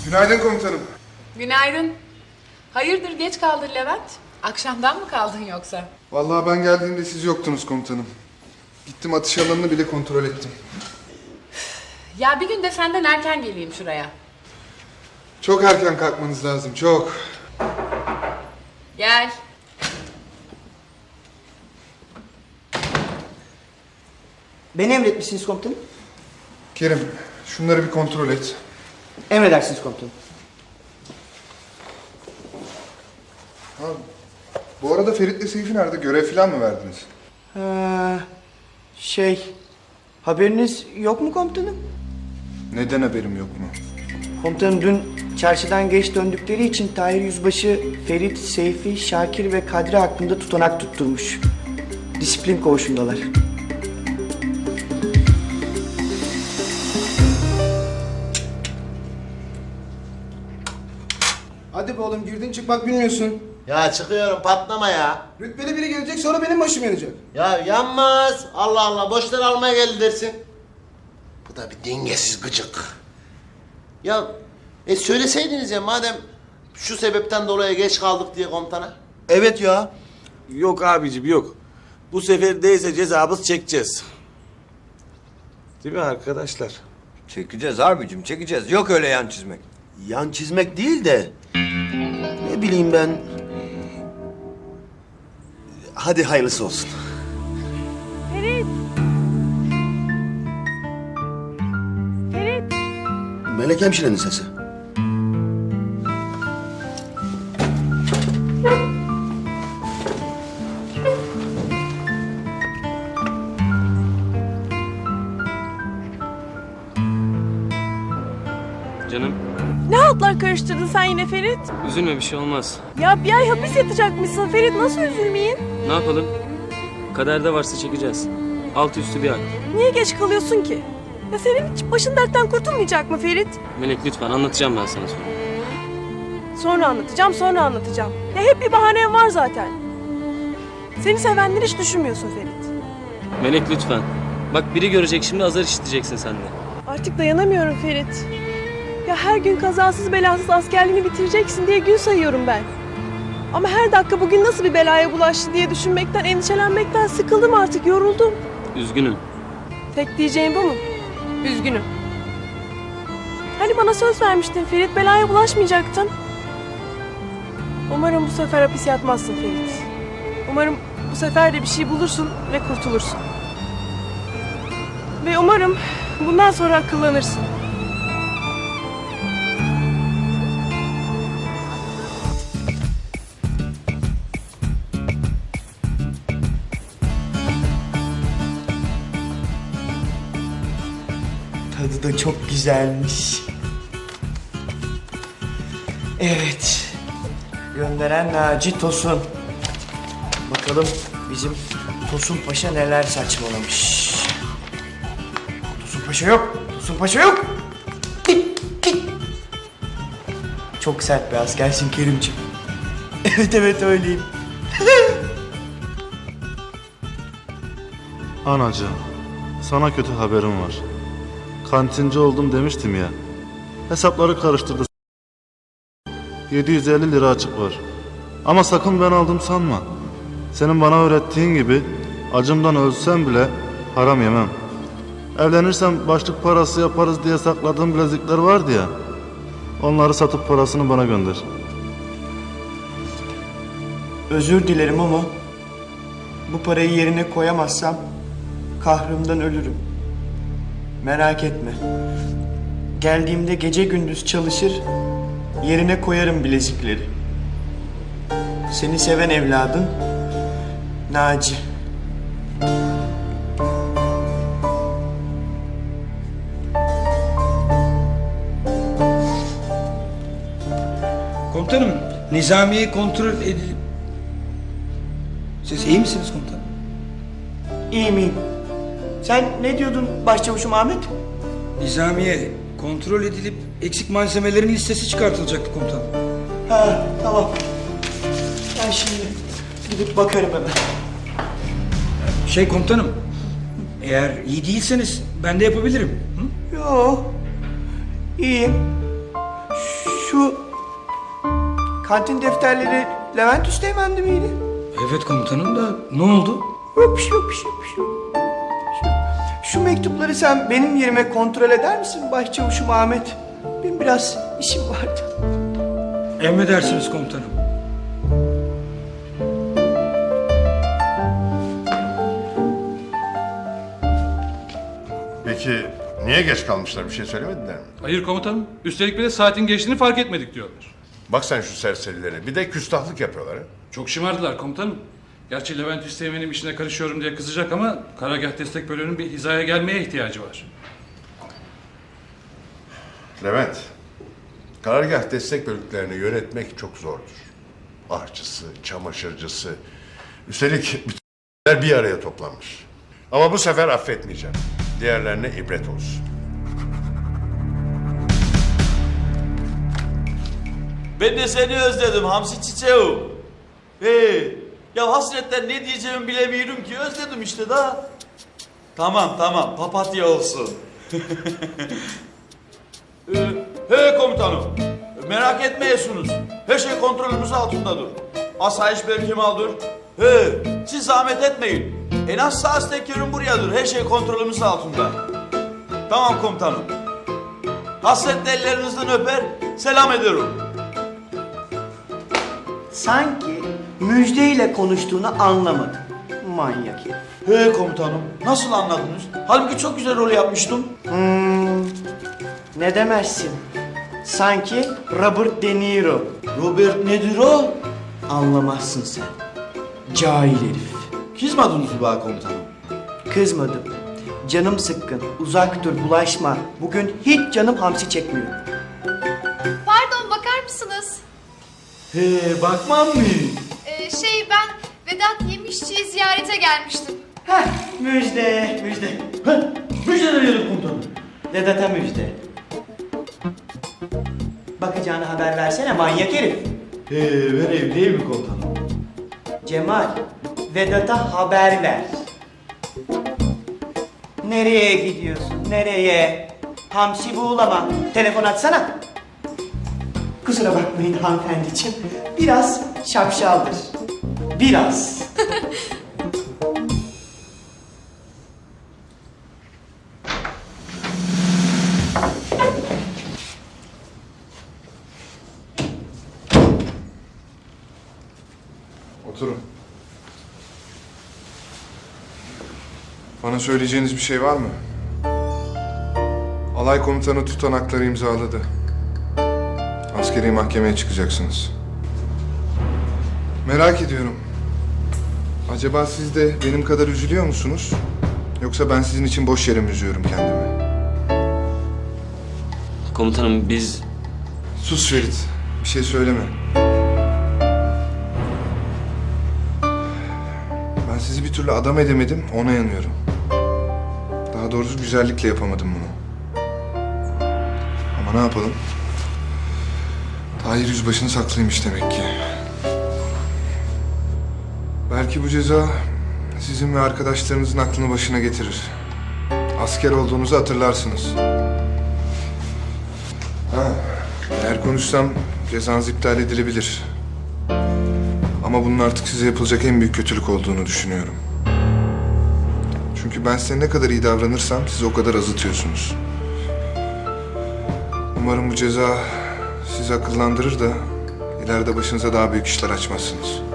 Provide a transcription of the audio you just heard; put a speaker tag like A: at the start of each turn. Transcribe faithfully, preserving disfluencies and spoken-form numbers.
A: Günaydın komutanım.
B: Günaydın. Hayırdır geç kaldın Levent? Akşamdan mı kaldın yoksa?
A: Vallahi ben geldiğimde siz yoktunuz komutanım. Gittim atış alanını bile kontrol ettim.
B: Ya bir gün de senden erken geleyim şuraya.
A: Çok erken kalkmanız lazım, çok.
B: Gel.
C: Beni emretmişsiniz komutanım.
A: Kerim, şunları bir kontrol et.
C: Emredersiniz komutanım.
A: Ha, bu arada Ferit'le Seyfi nerede? Görev falan mı verdiniz?
C: Ee, şey, haberiniz yok mu komutanım?
A: Neden haberim yok mu?
C: Komutanım dün çarşıdan geç döndükleri için Tahir Yüzbaşı Ferit, Seyfi, Şakir ve Kadri hakkında tutanak tutturmuş. Disiplin koğuşundalar.
D: Hadi be oğlum, girdin çıkmak bilmiyorsun.
E: Ya çıkıyorum, patlama ya.
D: Rütbeli biri gelecek, sonra benim başım yanacak.
E: Ya yanmaz. Allah Allah, boşları almaya geldi dersin. Bu da bir dengesiz gıcık. Ya e söyleseydiniz ya, madem şu sebepten dolayı geç kaldık diye komutana.
F: Evet ya. Yok abicim yok. Bu sefer değilse cezamız çekeceğiz. Değil mi arkadaşlar?
G: Çekeceğiz abicim, çekeceğiz. Yok öyle yan çizmek.
F: Yan çizmek değil de... Ne bileyim ben... Hadi hayırlısı olsun.
H: Ferit! Ferit!
F: Melek hemşirenin sesi.
I: Canım,
H: Ne haltlar karıştırdın sen yine Ferit?
I: üzülme, bir şey olmaz.
H: Ya bir ay hapis yatacakmışsın Ferit, nasıl üzülmeyin?
I: Ne yapalım? Kaderde varsa çekeceğiz. Altı üstü bir ay.
H: Niye geç kalıyorsun ki? Ya senin hiç başın dertten kurtulmayacak mı Ferit?
I: Melek lütfen, anlatacağım ben sana sonra.
H: Sonra anlatacağım, sonra anlatacağım. Ya hep bir bahanen var zaten. Seni sevenleri hiç düşünmüyorsun Ferit.
I: Melek lütfen. Bak biri görecek şimdi, azar işiteceksin sen de.
H: Artık dayanamıyorum Ferit. Ya her gün kazasız belasız askerliğini bitireceksin diye gün sayıyorum ben. Ama her dakika bugün nasıl bir belaya bulaştı diye düşünmekten, endişelenmekten sıkıldım artık, yoruldum.
I: Üzgünüm.
H: Tek diyeceğim bu mu? Üzgünüm. Hani bana söz vermiştin Ferit, belaya bulaşmayacaktın. Umarım bu sefer hapis yatmazsın Ferit. Umarım bu sefer de bir şey bulursun ve kurtulursun. Ve umarım bundan sonra akıllanırsın.
C: Tadı da çok güzelmiş. Evet. Gönderen Naci Tosun. Bakalım bizim Tosun Paşa neler saçmalamış. Tosun Paşa yok. Tosun Paşa yok. Git, git. Çok sert bir askersin Kerimciğim. Evet evet öyleyim.
J: Anacığım, sana kötü haberim var. Kantinci oldum demiştim ya. Hesapları karıştırdı. yedi yüz elli lira açık var. Ama sakın ben aldım sanma. Senin bana öğrettiğin gibi acımdan ölsem bile haram yemem. Evlenirsem başlık parası yaparız diye sakladığım bilezikler vardı ya. Onları satıp parasını bana gönder.
C: Özür dilerim ama bu parayı yerine koyamazsam kahrımdan ölürüm. Merak etme. Geldiğimde gece gündüz çalışır, yerine koyarım bilezikleri. Seni seven evladın Naci.
D: Komutanım, Nizamiye'yi kontrol edilip... Siz iyi misiniz komutanım?
C: İyi miyim? Sen ne diyordun başçavuşum Ahmet?
D: Nizamiye kontrol edilip eksik malzemelerin listesi çıkartılacaktı komutanım.
C: Ha tamam. Ben şimdi gidip bakarım hemen.
D: Şey komutanım, eğer iyi değilseniz ben de yapabilirim. Hı?
C: Yo, iyiyim. kantin defterleri Levent Üsteğmen'di miydi?
D: Evet komutanım da ne oldu?
C: Yok bir şey yok bir şey yok bir şey yok. Şu, şu mektupları sen benim yerime kontrol eder misin Başçavuşum Ahmet? Benim biraz işim vardı.
D: Emredersiniz komutanım.
K: Peki niye geç kalmışlar, bir şey söylemediler mi?
L: Hayır komutanım. Üstelik bir de saatin geçtiğini fark etmedik diyorlar.
K: Bak sen şu serserilere, bir de küstahlık yapıyorlar ha.
L: Çok şımardılar komutanım. Gerçi Levent Üsteğmen'in işine karışıyorum diye kızacak ama Karargah Destek Bölüğü'nün bir hizaya gelmeye ihtiyacı var.
K: Levent, karargah destek bölüklerini yönetmek çok zordur. Ahçısı, çamaşırcısı, üstelik bütün bir araya toplanmış. Ama bu sefer affetmeyeceğim. Diğerlerine ibret olsun.
F: Ben de seni özledim Hamsi çiçeğim. Hey, ya hasretten ne diyeceğimi bilemiyorum ki, özledim işte da. Tamam tamam, papatya olsun. ee, he komutanım, merak etmeyesunuz. Her şey kontrolümüz altındadır. Asayiş Berkemal'dır. He, siz zahmet etmeyin. En az saat tekerim buradadır. Her şey kontrolümüz altında. Tamam komutanım. Hasretle ellerinizden öper, selam ederim.
C: Sanki müjdeyle konuştuğunu anlamadım. Manyak herif.
F: He komutanım, nasıl anladınız? Halbuki çok güzel rol yapmıştım.
C: Hmm, ne demezsin? Sanki Robert De Niro.
F: Robert nedir o?
C: Anlamazsın sen. Cahil herif.
F: Kızmadınız mı bana komutanım?
C: Kızmadım. Canım sıkkın. Uzak dur, bulaşma. Bugün hiç canım hamsi çekmiyor.
M: Pardon, bakar mısınız?
F: He, bakmam mı?
M: Ee, şey ben Vedat Yemişçi'yi ziyarete gelmiştim.
C: Heh, müjde, müjde.
F: He, müjde ne dedim komutanım?
C: Vedat'a müjde. Bakacağını haber versene manyak herif.
F: He, vereyim değil mi komutanım?
C: Cemal, Vedat'a haber ver. Nereye gidiyorsun, nereye? Hamsi buğulama, telefon açsana. Kusura bakmayın hanımefendiciğim, biraz şapşaldır. Biraz.
A: Oturun. Bana söyleyeceğiniz bir şey var mı? Alay komutanı tutanakları imzaladı. Askeri mahkemeye çıkacaksınız. Merak ediyorum. Acaba siz de benim kadar üzülüyor musunuz? Yoksa ben sizin için boş yere mi üzüyorum kendimi?
I: Komutanım biz...
A: Sus Ferit. Bir şey söyleme. Ben sizi bir türlü adam edemedim, ona yanıyorum. Daha doğrusu güzellikle yapamadım bunu. Ama ne yapalım? Tahir Yüzbaşı'nın saklıymış demek ki. Belki bu ceza sizin ve arkadaşlarınızın aklını başına getirir. Asker olduğunuzu hatırlarsınız. Ha, eğer konuşsam cezanız iptal edilebilir. Ama bunun artık size yapılacak en büyük kötülük olduğunu düşünüyorum. Çünkü ben size ne kadar iyi davranırsam siz o kadar azıtıyorsunuz. Umarım bu ceza sizi akıllandırır da ileride başınıza daha büyük işler açmazsınız.